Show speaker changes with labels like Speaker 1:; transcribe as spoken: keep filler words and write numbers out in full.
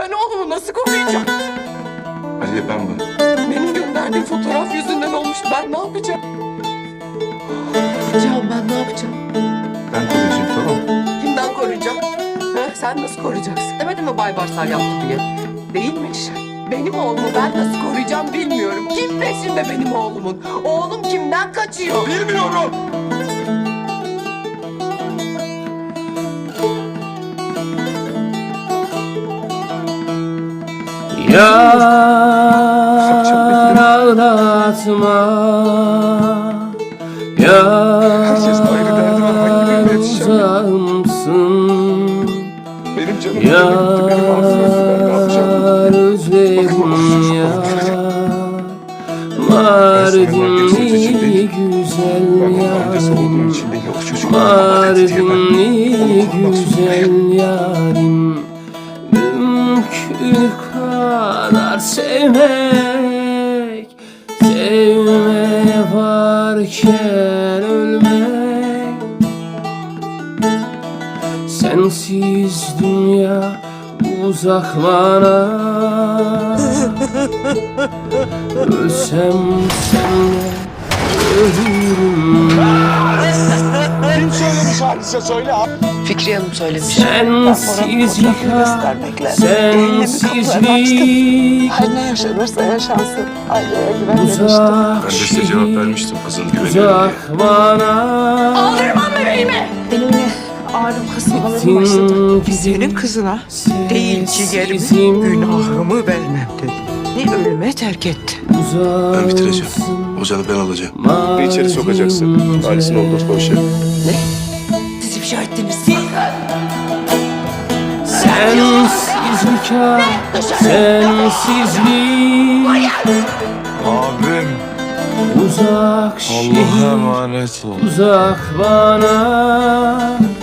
Speaker 1: Ben oğlumu nasıl koruyacağım?
Speaker 2: Aliye ben bunu.
Speaker 1: Benim gönderdiğim fotoğraf yüzünden olmuştu. Ben ne yapacağım? Can ben ne yapacağım?
Speaker 2: Ben koruyacağım, tamam mı?
Speaker 1: Kimden koruyacağım? Ha, sen nasıl koruyacaksın? Demedin mi Bay Barsal yaptı diye? Değilmiş. Benim oğlumu ben nasıl koruyacağım bilmiyorum. Kim peşinde benim oğlumun? Oğlum kimden kaçıyor?
Speaker 2: Bilmiyorum.
Speaker 3: Yar ağlatma,
Speaker 2: Herkesin ayrı derdi var. Hangi birine
Speaker 3: yar
Speaker 2: yetişeceğim ya?
Speaker 3: uzağımsın.
Speaker 2: Benim canım öldü, benim ağzım öldü. Ben ne yapacağım?
Speaker 3: Yar özledim yar, Mardinli güzel
Speaker 2: Ben annesi olduğum
Speaker 3: yarim,
Speaker 2: için değil, o çocuk bana dedi diye ben
Speaker 3: Mardinli
Speaker 2: onu korumak zorundayım.
Speaker 3: güzel yarim. Mümkün kadar sevmek, sevme varken ölmek. Sensiz dünya uzak bana, ölsem senle ölürüm.
Speaker 2: Kim söylemiş hadise söyle abi.
Speaker 1: Fikriye Hanım söylemiş.
Speaker 3: Sensizlik, sensizlik,
Speaker 4: Her ne yaşanırsa yaşansın. Aileye güven demiştim.
Speaker 3: uzak
Speaker 2: Ben de size cevap vermiştim kızın güveniyorum diye.
Speaker 3: uzak bana.
Speaker 1: Aldırmam bebeğimi!
Speaker 4: Benim yine ağrım kasmalarım başladı.
Speaker 3: Gittin
Speaker 5: Senin kızına değil ciğerimi,
Speaker 3: sessizim,
Speaker 5: günahımı vermem dedi. Ne ölüme terk etti.
Speaker 2: Ben bitireceğim.
Speaker 3: uzaksın,
Speaker 2: Ozan'ı ben alacağım.
Speaker 3: Mardince.
Speaker 2: Bir içeri sokacaksın. Ailesini oldurtma o şey.
Speaker 5: Siz ifşa ettiniz.
Speaker 3: Sensizlik, sensizlik,
Speaker 2: Abim.
Speaker 3: uzak şehir,
Speaker 2: emanet ol.
Speaker 3: uzak bana.